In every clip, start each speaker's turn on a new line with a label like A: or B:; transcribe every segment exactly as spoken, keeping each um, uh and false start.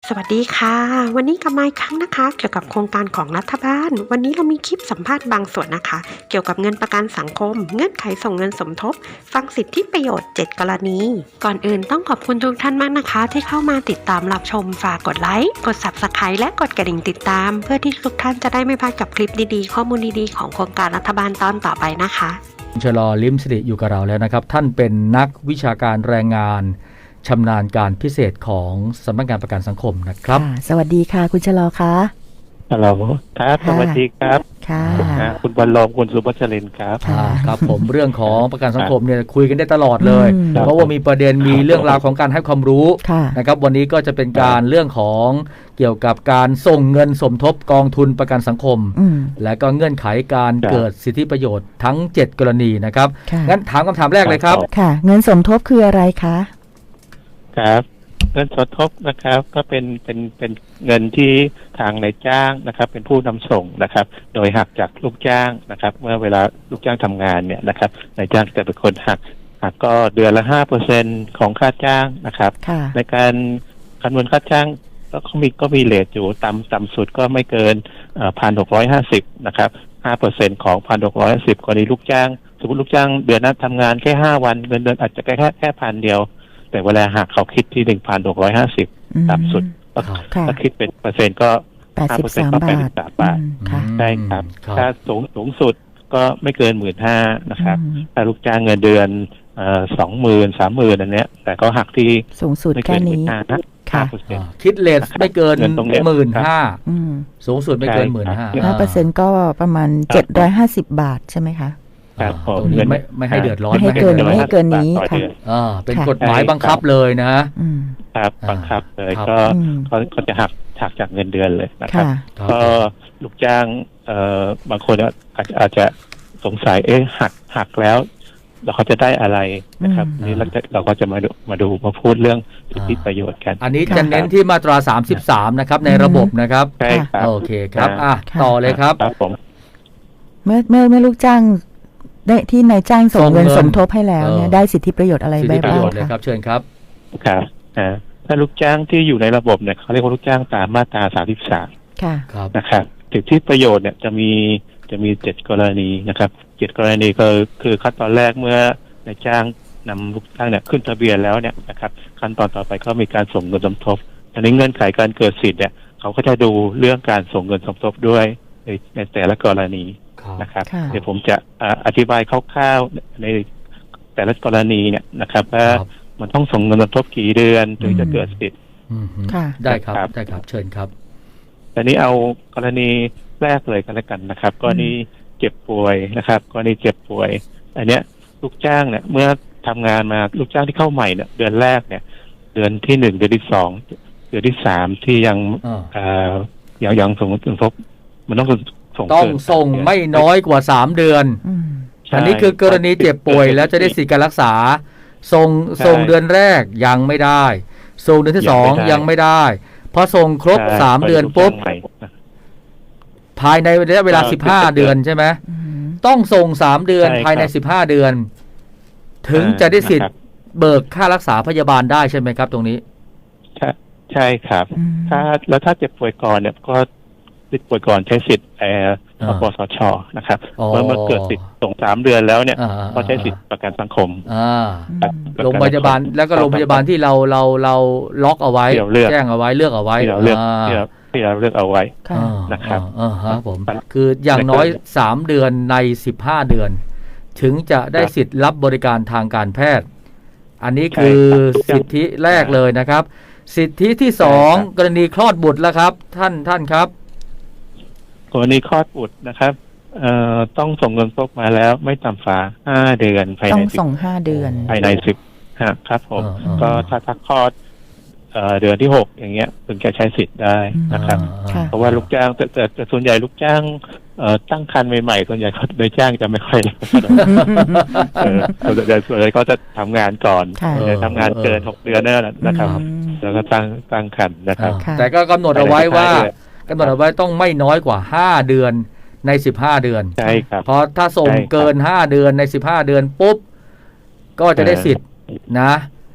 A: สวัสดีค่ะวันนี้กลับมาอีกครั้งนะคะเกี่ยวกับโครงการของรัฐบาลวันนี้เรามีคลิปสัมภาษณ์บางส่วนนะคะเกี่ยวกับเงินประกันสังคมเงื่อนไขส่งเงินสมทบฟังสิทธิประโยชน์เจ็ดกรณีก่อนอื่นต้องขอบคุณทุกท่านมากนะคะที่เข้ามาติดตามรับชมฝากกดไลค์กด ซับสไครบ์ และกดกระดิ่งติดตามเพื่อที่ทุกท่านจะได้ไม่พลาดกับคลิปดีๆข้อมูลดีๆของโครงการรัฐบาลตอนต่อไปนะคะ
B: ชลอลิ้มสิริอยู่กับเราแล้วนะครับท่านเป็นนักวิชาการแรงงานชำนาญการพิเศษของสำนักงานประกันสังคมนะครับ
C: สวัสดีค่ะคุณชลอคะ
D: ฮัลโหลครับสวัสดีครับ
C: ค่ะ
D: คุณบรรลมคุณสุภัชรินทร์ครับ
B: ครับผมเรื่องของประกันสังคมเนี่ยคุยกันได้ตลอดเลยเพราะว่ามีประเด็นมีเรื่องราวของการให้ความรู้นะครับวันนี้ก็จะเป็นการเรื่องของเกี่ยวกับการส่งเงินสมทบกองทุนประกันสังคมและก็เงื่อนไขการเกิดสิทธิประโยชน์ทั้งเจ็ดกรณีนะครับงั้นถามคำถามแรกเลยครับ
C: ค่ะเงินสมทบคืออะไรคะ
D: ครับเงินสมทบนะครับก็เป็นเป็นเป็นเงินที่ทางนายจ้างนะครับเป็นผู้นำส่งนะครับโดยหักจากลูกจ้างนะครับเมื่อเวลาลูกจ้างทำงานเนี่ยนะครับนายจ้างจะเป็นคนหักหักก็เดือนละห้าเปอร์เซ็นของค่าจ้างนะครับในการคำนวณค่าจ้างก็มีก็มีเรทอยู่ต่ำต่ำสุดก็ไม่เกินพันหกร้อยห้าสิบนะครับห้าเปอร์เซ็นของพันหกร้อยห้าสิบกรณีลูกจ้างสมมติลูกจ้างเดือนนั้นทำงานแค่ห้าวันเงินเดือนอาจจะแค่แค่แค่พันเดียวแต่เวลาหักเขาคิดที่หนึ่งพันหกร้อยห้าสิบต่ำสุดถ้าคิดเป็นเปอร์เซ็นต์ก็ห้าเปอร์เซ็นต์ก็แปดสิบสามบาทใช่ครับถ้าสูงสูงสุดก็ไม่เกินหมื่นห้านะครับถ้าลูกจ้างเงินเดือนสองหมื่นสามหมื่นอันเนี้ยแต่เขาหักที่
C: สูงสุดแค่นี้
B: ค่ะคิดเลทไม่เกินหมื่นห้าสูงสุดไม่เกินหมื่นห้า
C: ห้าเปอร์เซ็นต์ก็ประมาณเจ็ดร้อยห้าสิบบาทใช่ไหมคะ
B: ตรงนี้ไม่ไม่ให้เดือดร้อน
C: ไม่ให้เกินไม่ให้เกินนี้ค่ะ
B: อ่าเป็นกฎหมายบังคับเลยนะครับ
D: บังคับเลยก็เขาเขาจะหักหักจากเงินเดือนเลยนะครับก็ลูกจ้างเอ่อบางคนอาจจะอาจจะสงสัยเอ๊ะหักหักแล้วเราเขาจะได้อะไรนะครับนี่เราจะเราก็จะมาดูมาดูมาพูดเรื่องสิทธิประโยชน์กัน
B: อันนี้จะเน้นที่มาตราสามสิบสามนะครับในระบบนะครับ
D: ใช่ครับ
B: โอเคครับอ่ะต่อเลยครับ
D: ครับผม
C: เมื่อเมื่อเมื่อลูกจ้างได้ที่นายจ้างส่งเงินสมทบให้แล้วเนี่ยได้สิทธิประโยชน์อะไรบ้าง
B: ครับเชิญครับ
D: ครับถ้าลูกจ้างที่อยู่ในระบบเนี่ยเขาเรียกว่าลูกจ้างตามมาตราสามสิบสาม
C: ค่ะ
D: นะครับสิทธิประโยชน์เนี่ยจะมีจะมีเจ็ดกรณีนะครับเจ็ดกรณีก็คือขั้นตอนแรกเมื่อนายจ้างนำลูกจ้างเนี่ยขึ้นทะเบียนแล้วเนี่ยนะครับขั้นตอนต่อไปก็มีการส่งเงินสมทบอันนี้เงื่อนไขการเกิดสิทธิ์เนี่ยเขาก็จะดูเรื่องการส่งเงินสมทบด้วยในแต่ละกรณีนะครับเดี๋ยวผมจะอธิบายคร่าวๆในแต่ละกรณีเนี่ยนะครับว่ามันต้องส่งเงินสมทบกี่เดือนถึงจะเกิดสิทธิ์
B: ได้ครับได้ครับเชิญครับ
D: แต่นี้เอากรณีแรกเลยกันแล้วกันนะครับกรณีเจ็บป่วยนะครับกรณีเจ็บป่วยอันเนี้ยลูกจ้างเนี่ยเมื่อทำงานมาลูกจ้างที่เข้าใหม่เนี่ยเดือนแรกเนี่ยเดือนที่หนึ่งเดือนที่สองเดือนที่สามที่ยังยังยังส่งเงินสมทบมันต้อง
B: ต้องส่งไม่น้อยกว่าสามเดือนอันนี้คือกรณีเจ็บป่วยแล้วจะได้สิทธิการรักษาส่งส่งเดือนแรกยังไม่ได้ส่งเดือนที่สองยังไม่ได้พอส่งครบสามเดือนปุ๊บภายในระยะเวลาสิบห้าเดือนใช่ไหมต้องส่งสามเดือนภายในสิบห้าเดือนถึงจะได้สิทธิ์เบิกค่ารักษาพยาบาลได้ใช่ไหมครับตรงนี้
D: ใช่ใช่ครับถ้าแล้วถ้าเจ็บป่วยก่อนเนี่ยก็ติดป่วยก่อนใช้สิทธิ์แอร์ปสชนะครับเมื่อเมื่อเกิดสิทธิ์ส่งสามเดือนแล้วเนี่ยก็ใช้สิทธิ์ประกันสังคม
B: โรงพยาบาลแล้วก็โรงพยาบาลที่เราเราเราล็อกเอาไว้แจ้งเอาไว้เลือกเอาไว้
D: ที่เราเลือกที่เราเลือกเอาไว้นะครับ
B: อ่าฮะผมคืออย่างน้อยสามเดือนในสิบห้าเดือนถึงจะได้สิทธิ์รับบริการทางการแพทย์อันนี้คือสิทธิแรกเลยนะครับสิทธิที่สองกรณีคลอดบุตรแล้วครับท่านท่านครับ
D: กรณีคลอดบุตรนะครับเอ่อต้องส่งเงินสมทบมาแล้วไม่ต่ำกว่าห้าเดือนภายใน
C: ต้องส่งห้าเดือน
D: ภายในสิบครับผมก็ถ้าถ้าคลอดเอ่อเดือนที่หกอย่างเงี้ยถึงจะใช้สิทธิ์ได้นะครับเพราะว่าลูกจ้างแต่แต่ส่วนใหญ่ลูกจ้างเอ่อตั้งครรภ์ใหม่ๆส่วนใหญ่เขาโดยจ้างจะไม่ค่อยเออส่วนใหญ่ส่วนใหญ่เขาจะทำงานก่อนทำงานเกินหกเดือนนั่นแหละนะครับแล้วก็ตั้งตั้งครรภ์นะครับ
B: แต่ก็กำหนดเอาไว้ว่ากำหนดเอาไว้ต้องไม่น้อยกว่าห้าเดือนในสิบห้าเดือน
D: ใช่ครับ
B: เพราะถ้าส่งเกินห้าเดือนในสิบห้าเดือนปุ๊บก็จะได้สิทธิ์นะ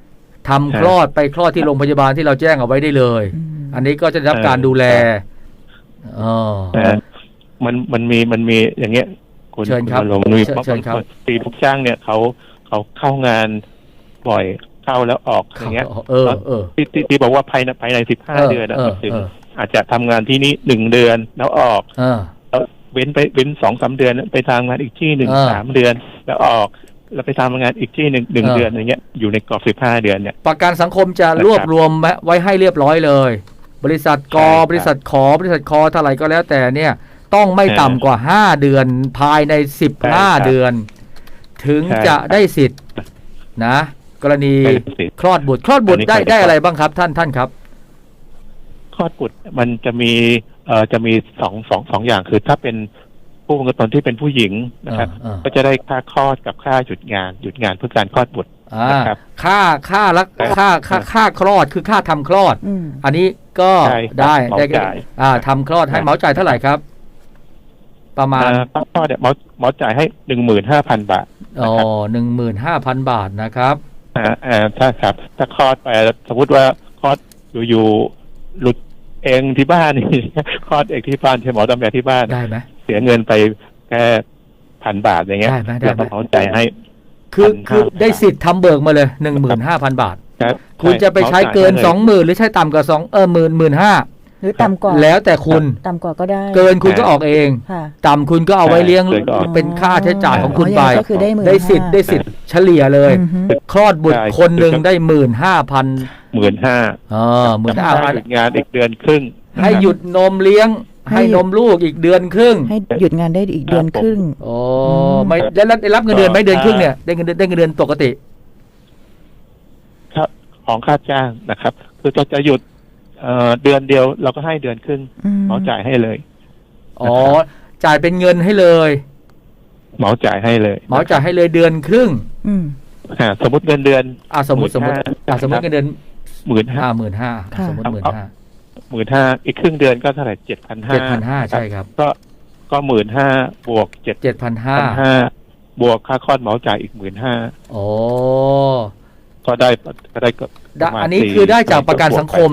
B: ทำคลอดไปคลอดที่โรงพยาบาลที่เราแจ้งเอาไว้ได้เลย อันนี้ก็จะได้รับการดูแลอ๋อ
D: มันมันมีมันมีอย่างเงี้ยคุณ
B: เชิญครับ
D: ลงมี
B: เชิญครับ
D: ตีลูกจ้างเนี่ยเขาเขาเข้างานบ่อยเข้าแล้วออกอย่างเงี้ย
B: เออเออ
D: ที่ที่ที่บอกว่าภายในภายในสิบห้าเดือนนะถึงอาจจะทำงานที่นี่หนึ่งเดือนแล้วออกแล้วเว้นไปเว้นสองสามเดือนไปทำงานอีกที่หนึ่งสามเดือนแล้วออกแล้วไปทำงานอีกที่หนึ่งหนึ่งเดือนอย่างเงี้ยอยู่ในกรอบสิบห้าเดือนเนี่ย
B: ประกันสังคมจะรวบรวมไว้ให้เรียบร้อยเลยบริษัทกบริษัทขอบริษัทคอเท่าไหร่ก็แล้วแต่เนี่ยต้องไม่ต่ำกว่าห้าเดือนภายในสิบห้าเดือนถึงจะได้สิทธิ์นะกรณีคลอดบุตรคลอดบุตรได้ได้อะไรบ้างครับท่านท่านครับ
D: คลอดบุตรมันจะมีเอ่อจะมีสองสองสองอย่างคือถ้าเป็นผู้ประกันตนที่เป็นผู้หญิงนะครับก็จะได้ค่าคลอดกับค่าหยุดงานหยุดงานเพื่อการคลอดบุตรนะครับ
B: ค่าค่ารักค่าค่าค่าคลอดคือค่าทำคลอดอันนี้ก็ได้ได้อ่าทำคลอดให้เหมาจ่ายเท่าไหร่ครับประมาณ
D: ค่าคลอดเนี่ยเหมาเหมาจ่ายให้หนึ่งหมื่นห้าพันบาท
B: อ๋อหนึ่งหมื่นห้าพันบาทนะครับ
D: อ่าอ่าถ้าครับถ้าคลอดไปสมมติว่าคลอดอยู่ๆหลุดเองที่บ้านนี่คลอดเองที่บ้านใช่หมอตำแหน่งที่บ้าน
B: ได้ไหม
D: เสียเงินไปแค่พันบาทอย่างเงี้ยเราต้องเข้าใจให้
B: คือคือได้สิทธิ์ทำเบิกมาเลยหนึ่งหมื่นห้าพันบาทคุณจะไปใช้เกินสองหมื่นหรือใช้ต่ำกว่าสองเออหมื่นหมื่นห้า
C: หรือต่ำกว่า
B: แล้วแต่คุณ
C: ต่ำกว่าก็ได้
B: เกินคุณก็ออกเองต่ำคุณก็เอาไว้เลี้ยงเป็นค่าใช้จ่ายของคุณไปได้สิทธิ์ได้สิทธิ์เฉลี่ยเลยคลอดบุตรคนหนึ่งได้หมื่นห้าพัน
D: หมื่นห้า
B: อ๋อหมื่นห้าพัน
D: งานอีกเดือนครึ่ง
B: ให้หยุดนมเลี้ยงให้นมลูกอีกเดือนครึ่ง
C: ให้หยุดงานได้อีกเดือนครึ่ง
B: โอ้ไม่ได้ได้รับเงินเดือนไหมเดือนครึ่งเนี่ยได้เงินเดือนได้เงินเดือนปกติ
D: ครับของค่าจ้างนะครับคือจะจะหยุดเอ่อเดือนเดียวเราก็ให้เดือนครึ่งเหมาจ่ายให้เลย
B: อ๋อจ่ายเป็นเงินให้เลย
D: เหมาจ่ายให้เลย
B: เหมาจ่ายให้เลยเดือนครึ่ง
C: อืม
D: อ่าสมมติเงินเดือน
B: อ่าสมมติสมมติอ่าสมมติเงินเดือน
D: หมื่นห้า
B: หมื่นห้าสมมติหมื่นห้า
D: หมื่นห้าอีกครึ่งเดือนก็เท่าไหร่เจ็ดพันห้า
B: เจ็ดพันห้าใช่ครับ
D: ก็ก็หมื่นห้าบวกเจ็ด
B: เจ็ดพันห้า
D: บวกค่าคลอดเหมาจ่ายอีกหมื่นห้า
B: โอ้
D: ก็ได้ก็ได้ก็
B: อันนี้คือได้จากประกันสังคม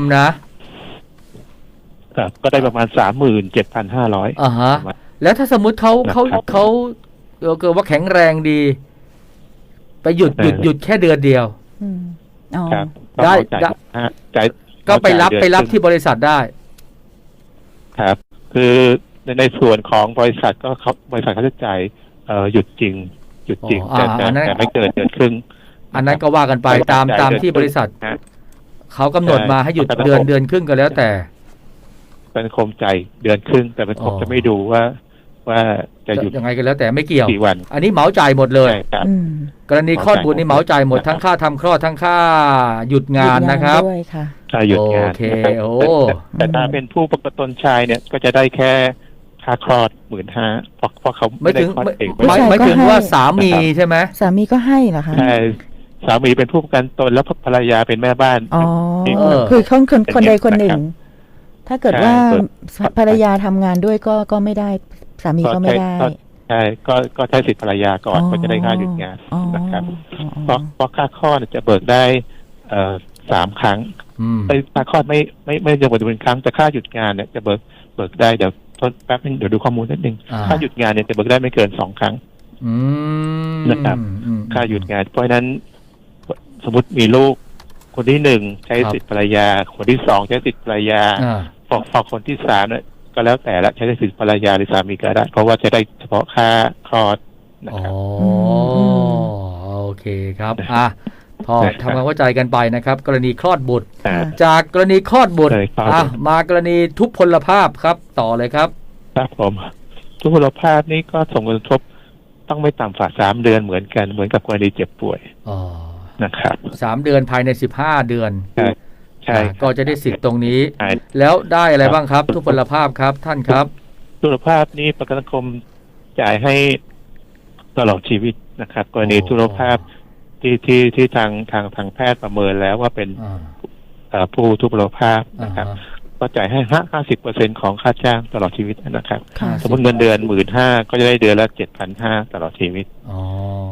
B: นะครับ
D: ก็ได้ประมาณสามหมื่นเจ็ดพันห้าร้อย
B: อ่าฮะแล้วถ้าสมมุติเขาเขาเขาเกิดว่าแข็งแรงดีไปหยุดหยุดหยุดแค่เดือนเดียวได้ได้ก็ไปรับไปรับที่บริษัทได้
D: ครับคือในในส่วนของบริษัทก็เขาบริษัทเขาจะจ่ายเอ่อหยุดจริงหยุดจริงแต่แต่ไม่เกินเดือนครึ่ง
B: อันนั้นก็ว่ากันไปตามตามที่บริษัทเขากำหนดมาให้หยุดเดือนเดือนครึ่งก็แล้วแต่
D: เป็นคมใจเดือนครึ่งแต่เป็นคมจะไม่ดูว่าว่าจะหยุด
B: ยังไงก็แล้วแต่ไม่เกี่ยว
D: กี่วัน
B: อันนี้เหมาจ่ายหมดเลยกรณีคลอดบุตรนี่เหมาจ่ายหมดทั้งค่าทำคลอดทั้งค่าหยุดงานนะครับ
D: ค่าหยุดงาน
B: โอเคโอ้
D: แต่ถ้าเป็นผู้ประกันตนชายเนี่ยก็จะได้แค่ค่าคลอดหมื่นห้าเพราะเพราะเขา
B: ไม่ถึงไม่ไม่ถึงว่าสามีใช่ไหม
C: สามีก็ให้เหรอคะ
D: ใช่สามีเป็นผู้ประกันตนแล้วภรรยาเป็นแม่บ้าน
C: อ๋อคือคนคนคนใดคนหนึ่งถ้าเกิดว่าภรรยาทำงานด้วยก็ก็ไม่ได้สามีก็ไม่ได้
D: ใช่ก็ก็ใช้สิทธิภรรยาก่อนก็จะได้ค่าหยุดงานนะครับเพราะเพราะค่าคลอดจะเบิกได้เอ่อสามครั้งไอ้ค่าคลอดไม่ไม่ไม่จะเบิกเป็นครั้งแต่ค่าหยุดงานเนี่ยจะเบิกเบิกได้เดี๋ยวทดแป๊บนึงเดี๋ยวดูข้อมูลนิดนึงค่าหยุดงานเนี่ยจะเบิกได้ไม่เกินสองครั้งนะครับค่าหยุดงานเพราะฉะนั้นสมมติมีลูกคนที่หนึ่งใช้สิทธิภรรยาคนที่สองใช้สิทธิภรรยาพอพอคนที่สามเนี่ยก็แล้วแต่ละใช้สิทธิภรรยาหรือสามีก็ได้เพราะว่าจะได้เฉพาะค่าคลอดนะครับ
B: อ๋อโอเคครับอ่ะพอทำความเข้าใจกันไปนะครับกรณีคลอดบุตรจากกรณีคลอดบุตรอ่ะมากรณีทุพพลภาพครับต่อเลยครับ
D: ครับผมทุพพลภาพนี่ก็ส่งผลกระทบต้องไม่ต่ำกว่าสามเดือนเหมือนกันเหมือนกับกรณีเจ็บป่วย
B: อ๋อ
D: นะครับ
B: สามเดือนภายในสิบห้าเดือน
D: ใช่ใช่
B: ก็จะได้สิทธิ์ตรงนี้แล้วได้อะไรบ้างครับทุพพลภาพครับท่านครับ
D: ทุพพลภาพนี้ประกันสังคมจ่ายให้ตลอดชีวิตนะครับกรณีทุพพลภาพที่ที่ที่ทางทางทางแพทย์ประเมินแล้วว่าเป็นผู้ทุพพลภาพนะครับก็จ่ายให้ห้าสิบเปอร์เซ็นของค่าจ้างตลอดชีวิตนะครับสมมติเงินเดือนหมื่นห้าก็จะได้เดือนละเจ็ดพันห้าตลอดชีวิต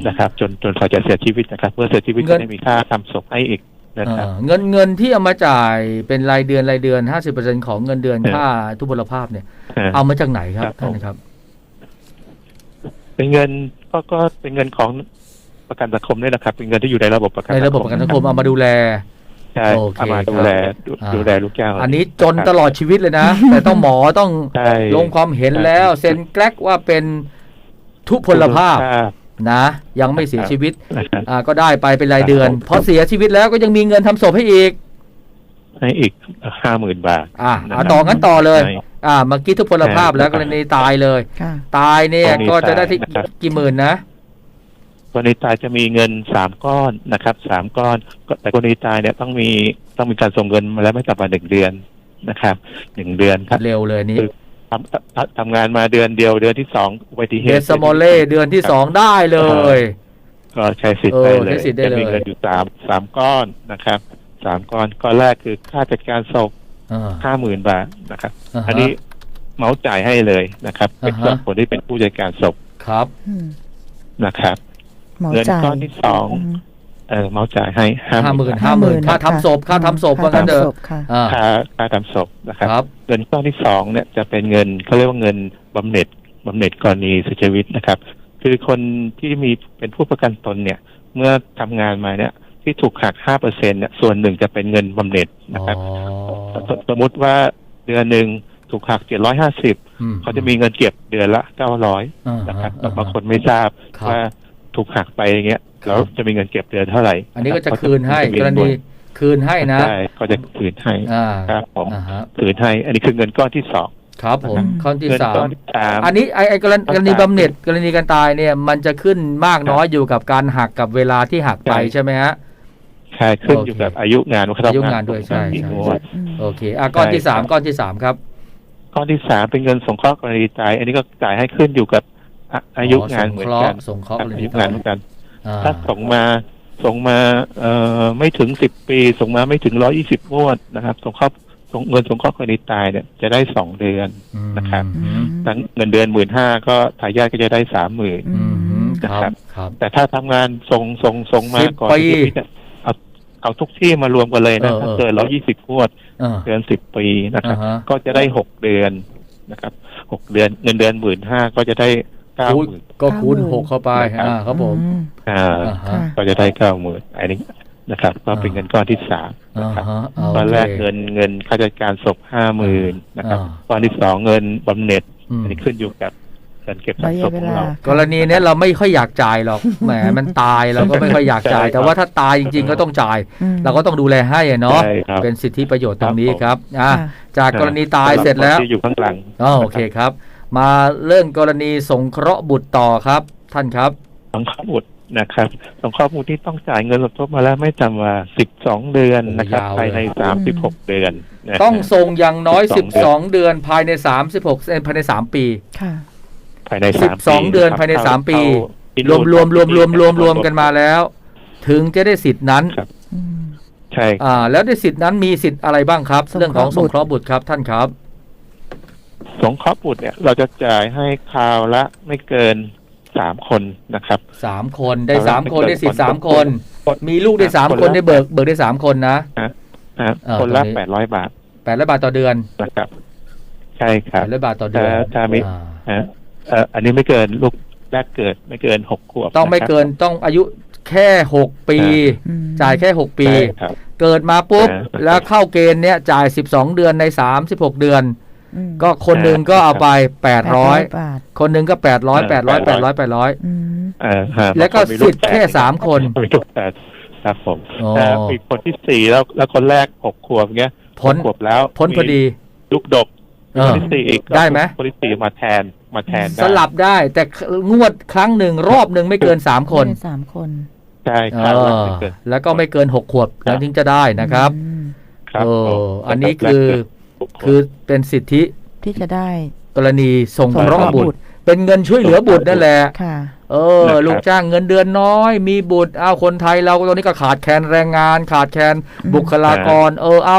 D: นะครับ จนจนเขาจะเสียชีวิตนะครับเมื่อเสียชีวิตก็ได้มีค่าทำศพให้อีกนะครับ
B: เอ่อเงินเงินที่เอามาจ่ายเป็นรายเดือนรายเดือน ห้าสิบเปอร์เซ็นต์ ของเงินเดือนค่าทุพพลภาพเนี่ยเอามาจากไหนครับท่านครับ
D: เป็นเงินก็ก็เป็นเงินของประกันสังคมนี่แหละครับเป็นเงินที่อยู่ในระบบประกัน
B: ในระบบประกันสังคมเอามาดูแล
D: ใช่เอามาดูแลดูแลลูกจ้าง
B: อันนี้จนตลอดชีวิตเลยนะ แต่ต้องหมอต้องลงความเห็นแล้วเซ็นแกลกว่าเป็นทุพพลภาพนะยังไม่เสียชีวิตอ่าก็ได้ไปเป็นรายเดือนพอเสียชีวิตแล้วก็ยังมีเงินทำศพให้อีก
D: ให้อีกห้าหมื่นบาท
B: อ่าเอาต่องั้นต่อเลยอ่าเมื่อกี้ทุพพลภาพแล้วกรณีตายเลยตายเนี่ยก็จะได้ที่กี่หมื่นนะ
D: กรณีตายจะมีเงินสามก้อนนะครับสามก้อนแต่กรณีตายเนี่ยต้องมีต้องมีการส่งเงินมาแล้วไม่ต่ำกว่าหนึ่งเดือนนะครับหนึ่งเดือนครับ
B: เร็วเลยนี้
D: ทำทำงานมาเดือนเดียวเดือนที่สองอุบัติเหตุ
B: เดสโมเล่เดือนที่สองได้เลย
D: ก็ใช้สิทธิ์ได้เลยจะมีเงินอยู่สามสามก้อนนะครับสามก้อนก้อนแรกคือค่าจัดการศพห้าหมื่นบาทนะครับอันนี้เมาส์จ่ายให้เลยนะครับเป็นส่วนคนที่เป็นผู้จัดการศพ
B: ครับ
D: นะครับเงินก้อนที่สองเออเมาจ่ายให้ห้า
B: หมื่นห้าหมื่นค่าทำศพค่าทำศพว่างั้นเถอะ
D: ค่าค่าทำศพนะครับเงินก้อนที่สองเนี่ยจะเป็นเงินเขาเรียกว่าเงินบำเหน็จบำเหน็จกรณีเสียชีวิตนะครับคือคนที่มีเป็นผู้ประกันตนเนี่ยเมื่อทำงานมาเนี่ยที่ถูกหักห้าเปอร์เซ็นต์เนี่ยส่วนหนึ่งจะเป็นเงินบำเหน็จนะครับสมมติว่าเดือนหนึ่งถูกหักเจ็ดร้อยห้าสิบเขาจะมีเงินเก็บเดือนละเก้าร้อยนะครับบางคนไม่ทราบว่าถูกหักไปอย่างเงี้ยแล้วจะมีเงินเก็บเดือนเท่าไหร่
B: อันนี้ก็จะคืนให้กรณีคืนให้นะ
D: ใช่ก็จะคืนให้ครับผมคืนให้อันนี้คือเงินก้อนที่สอง
B: ครับผมข้อที่สามอันนี้ไอ้ไอ้กรณีกรณีบำเหน็จกรณีการตายเนี่ยมันจะขึ้นมากน้อยอยู่กับการหักกับเวลาที่หักไปใช่ไหมฮะ
D: ใช่ขึ้นอยู่กับอายุงาน
B: อายุงานด้วยใช่โอเคอ่ะก้อนที่สามก้อนที่สามครับ
D: ก้อนที่สามเป็นเงินสงเคราะห์กรณีตายอันนี้ก็จ่ายให้ขึ้นอยู่กับอายุงานเหมือนกัน
B: ส่งเคราะห์
D: อายุงานเหมือนกันถ้าส่งมาส่งมาเอ่อไม่ถึงสิบปีส่งมาไม่ถึงร้อยยี่สิบงวดนะครับส่งเคราะห์ส่งเงินสงเคราะห์กรณีตายเนี่ยจะได้สองเดือนนะครับทั้งเงินเดือนหมื่นห้าก็ทายาทก็จะได้สามหมื่นนะครับแต่ถ้าทำงานส่งส่งส่งมาก่อนที่จะเอาเอาทุกที่มารวมกันเลยนะถ้าเกินร้อยยี่สิบงวดเดือนสิบปีนะครับก็จะได้หกเดือนนะครับหกเดือนเงินเดือนหมื่นห้าก็จะได้เก้าหมื่น
B: ก็คูณหกเข้าไปอ่าครับผม
D: อ่าก็จะได้เก้าหมื่นอันนี้นะครับก็เป็นเงินก้อนที่สามนะครับตอนแรกเงินเงินค่าจัดการศพห้าหมื่นนะครับก้อนที่สองเงินบำเหน็จอันนี้ขึ้นอยู่กับการเก็บสะสมของเรา
B: กรณีนี้เราไม่ค่อยอยากจ่ายหรอกแหมมันตายเราก็ไม่ค่อยอยากจ่ายแต่ว่าถ้าตายจริงๆก็ต้องจ่ายเราก็ต้องดูแลให้เนาะเป็นสิทธิประโยชน์ตรงนี้ครับอ่าจากกรณีตายเสร็จแล้ว
D: อยู่ข้างหลัง
B: อ๋อโอเคครับมาเรื่องกรณีสงเคราะห์บุตรต่อครับท่านครับ
D: สงเคราะห์บุตรนะครับสงเคราะห์บุตรที่ต้องจ่ายเงินสมทบมาแล้วไม่ต่ำกว่าสิบสองเดือนนะครับภายในสามสิบหกเดือน
B: ต้องส่งอย่างน้อยสิบสองเดือนภายในสามสิบหกภายในสามปี
C: ค่ะ
D: ภายใน
B: สิบสองเดือนภายในสามปีรวมรวมรวมรวมรวมรวมกันมาแล้วถึงจะได้สิทธินั้น
D: ใช่
B: อ่าแล้วได้สิทธินั้นมีสิทธิ์อะไรบ้างครับเรื่องของสงเคราะห์บุตรครับท่านครับ
D: สงเคราะห์บุตรเนี่ยเราจะจ่ายให้คราวละไม่เกินสามคนนะครับ
B: สามคนได้สามคนได้สิทธิ์สามคนมีลูกได้สามคนได้เบิกเบิกได้สามคนนะ
D: คนละแปดร้อยบาท
B: แปดร้อยบาทต่อเดือน
D: นะครับใช่ครับ
B: แปดร้อยบาทต่อเดือน
D: ถ้ามีอันนี้ไม่เกินลูกแรกเกิดไม่เกินหกขวบ
B: ต้องไม่เกินต้องอายุแค่หกปีจ่ายแค่หกปีเกิดมาปุ๊บแล้วเข้าเกณฑ์เนี้ยจ่ายสิบสองเดือนในสามสิบหกเดือนก็คนหนึ่งก็เอาไปแปดร้อยคนหนึ่งก็แปดร้อยแปดร้อยแปดร้อยแปดร้อยแล้วก็สิทธิ์แค่สามคน
D: ครับผมแต่อีกคนที่สี่แล้วแล้วคนแรกหกขวบเงี้ย
B: พ้น
D: ขวบแล้ว
B: พ้นพอดี
D: ลูกดกคนที่สี่อีก
B: ได้ไหม
D: คนที่สี่มาแทนมาแทน
B: สลับได้แต่งวดครั้งหนึ่งรอบหนึ่งไม่เกินสามคน
C: สามคน
D: ใช่ครับ
B: แล้วก็ไม่เกินหกขวบแล้วถึงจะได้นะครับเอออันนี้คือคือเป็นสิทธิ
C: ที่จะได้
B: กรณีสงเคราะห์บุตรเป็นเงินช่วยเหลือบุตรนั่นแหละเออลูกจ้างเงินเดือนน้อยมีบุตรเอาคนไทยเราตอนนี้ก็ขาดแคลนแรงงานขาดแคลนบุคลากรเออเอา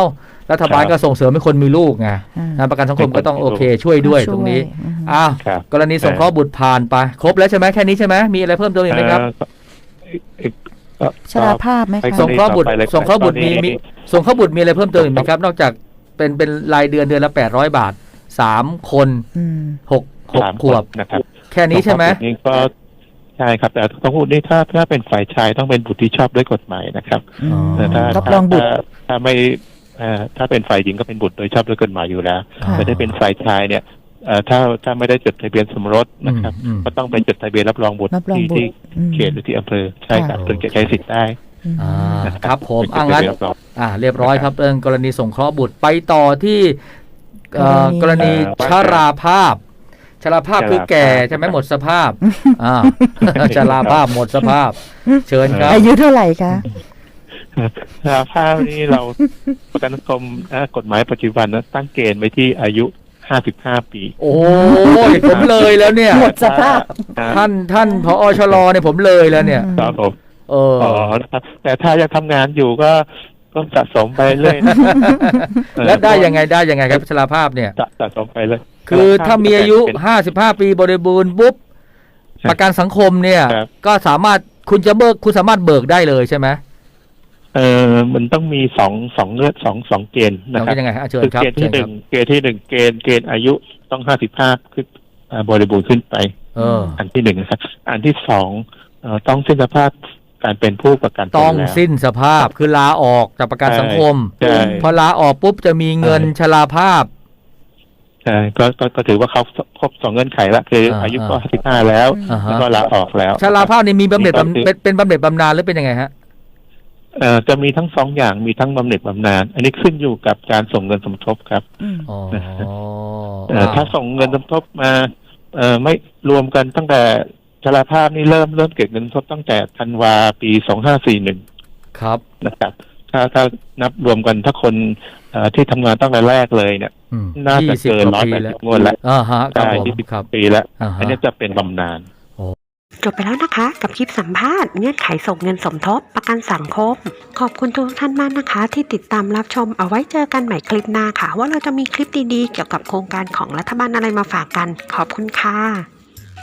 B: รัฐบาลก็ส่งเสริมให้คนมีลูกไง
C: อ่า
B: นะประกันสังคมก็ต้องโอเคช่วยด้วยตรงนี้
C: อืม
B: อ้าว
D: ครับ
B: กรณีสงเคราะห์บุตรผ่านไปครบแล้วใช่ไหมแค่นี้ใช่ไหมมีอะไรเพิ่มเติมอีกไหมครับ
D: เอ่อเอ่อ
C: ชราภาพไหม
D: ไป
C: คะ
B: สงเคราะห์บุตร
D: ต่อไปเลย
B: สงเคราะห์บุตรมี
D: ตอนนี้
B: มีสงเคราะห์บุตรมีอะไรเพิ่มเติมอีกไหมครับ นอกจากเป็นเป็นรายเดือนเดือนละแปดร้อยบาทสามคน
C: อืม
B: หกหก
D: สาม
B: ขวบ
D: คนนะครับ
B: แค่นี้ใช่ไหม
D: นี่ก็ใช่ครับแต่ต้องพูดนี่ถ้าถ้าเป็นฝ่ายชายต้องเป็นบุตรที่ชอบด้วยกฎหมายนะครับ
C: อืม
D: แต่ถ้า
C: รับรองบุตร
D: ถ้าถ้าไม่เอ่อถ้าเป็นฝ่ายหญิงก็เป็นบุตรโดยชอบด้วยกฎหมายอยู่แล้ว
C: ค่ะ
D: แต่ถ้าเป็นฝ่ายชายเนี่ยเอ่อถ้าถ้าไม่ได้จดทะเบียนสมรสนะครับ
B: อืม
D: ก็ต้องไปจดทะเบียนรับรองบุตร
C: รับรอง
D: ที่
C: บุตร
D: ที่
C: อืม
D: เขตหรือที่อำเภอใช่ครับ
B: ค่ะ
D: ถึงจะใช้สิทธิ์ได้
C: อืม
B: อ่าครับผม
D: เป็น
B: อ่างั้น
D: ทะเบียนรับรอง
B: อ่าเรียบร้อยครับเรื่องกรณีสงเคราะห์บุตรไปต่อที่เอ่อก ก
C: ร
B: ร
C: ณี
B: ณีชราภาพชราภาพคือแก่ใช่ไหมหมดสภาพอ่า ชราภาพหมดสภาพ เชิญครับ
C: อายุเท่าไหร่คะ
D: สาภาพนี้เราประกันสังคมเอ่อกฎหมายปัจจุบันนะตั้งเกณฑ์ไว้ที่อายุห้าสิบห้าปี
B: โอ้ยผมเลยแล้วเนี่ย
C: หมดสภาพ
B: ท่านท่านพอชลเนี่ยผมเลยแล้วเนี่ย
D: ครับผม
B: เออ
D: อ๋อนะครับแต่ถ้ายังทำงานอยู่ก็ก็สะสมไปเรื่อยนะ
B: แล้วได้ยังไงได้ยังไงครับชราภาพเนี่ย
D: สะสะสมไปเลย
B: คือถ้ามีอายุ
D: เป็น
B: ห้าสิบห้าปีบริบูรณ์ปุ๊บ
D: ใช่
B: ประกันสังคมเนี่ย
D: ครับ
B: ก็สามารถคุณจะเบิกคุณสามารถเบิกได้เลยใช่ไหม
D: เออมันต้องมีสองสองเลือดสองสองเกณฑ์นะ
B: เรา
D: ครั
B: เป็
D: บ
B: นยังไงฮะเชิญ
D: คือ
B: ครับ
D: เกณฑ์
B: เชิ
D: ที่
B: ญ
D: ห
B: ค
D: นึ่
B: รับ
D: งเกณฑ์ที่หนึ่งเกณฑ์เกณฑ์อายุต้องห้าสิบห้าขึ้นอ่าบริบูรณ์ขึ้นไป
B: เออ
D: อันที่หนึ่งนะครับ อันที่สองเอ่อต้องสิ้นสภาพการเป็นผู้ประกันตน
B: ต้อง
D: แล้ว
B: สิ้นสภาพคือลาออกจากประกันสังคม
D: ใช่
B: พอลาออกปุ๊บจะมีเงินชราภาพ
D: ใช่ก็ก็ก็ถือว่าเขาครบสองเงื่อนไขละคืออา
B: อ่า
D: อายุก็สิบห้าแล้ว
B: อ่าฮะ
D: แล้วก็ลาออกแล้ว
B: ชราภาพนี่มีบำเหน็จ
D: นี่ก็คือ
B: บำเป็นเป็นบำเหน็จบำนาญหรือเป็นยังไงฮะ
D: เอ่อจะมีทั้งสองอย่างมีทั้งบำเหน็จบำนาญอันนี้ขึ้นอยู่กับการส่งเงินสมทบครับ
C: อืม
B: อ๋อ
D: เอ่อถ้าส่งเงินสมทบมาเอ่อไม่รวมกันตั้งแต่ชราภาพนี่เริ่มเริ่มเก็บเงินสมทบตั้งแต่ธันวาปีสองห้าสี่หนึ่ง
B: ครับ
D: นะครับ ถ้าถ้านับรวมกันถ้าคนเอ่อที่ทำงานตั้งแต่แรกเลยเนี่ย
B: อืม
D: น่าจะ
B: ยี่สิบ
D: เกิน
B: ก
D: ร้
B: ว่า
D: อย
B: ปี
D: แปด
B: แล้
D: สิ
B: ว
D: บงวดแล้ว
B: อ่าฮะครับ
D: ใช่
B: ผม
D: ยี่สิบ
B: ครับ
D: ปีแล้ว
B: อ่าฮะ
D: อันนี้จะเป็นบำนาญ
A: จบไปแล้วนะคะกับคลิปสัมภาษณ์เงื่อนไขส่งเงินสมทบประกันสังคม ขอบคุณทุกท่านมากนะคะ ที่ติดตามรับชมเอาไว้เจอกันใหม่คลิปหน้าค่ะ ว่าเราจะมีคลิปดีๆเกี่ยวกับโครงการของรัฐบาลอะไรมาฝากกัน ขอบคุณค่ะ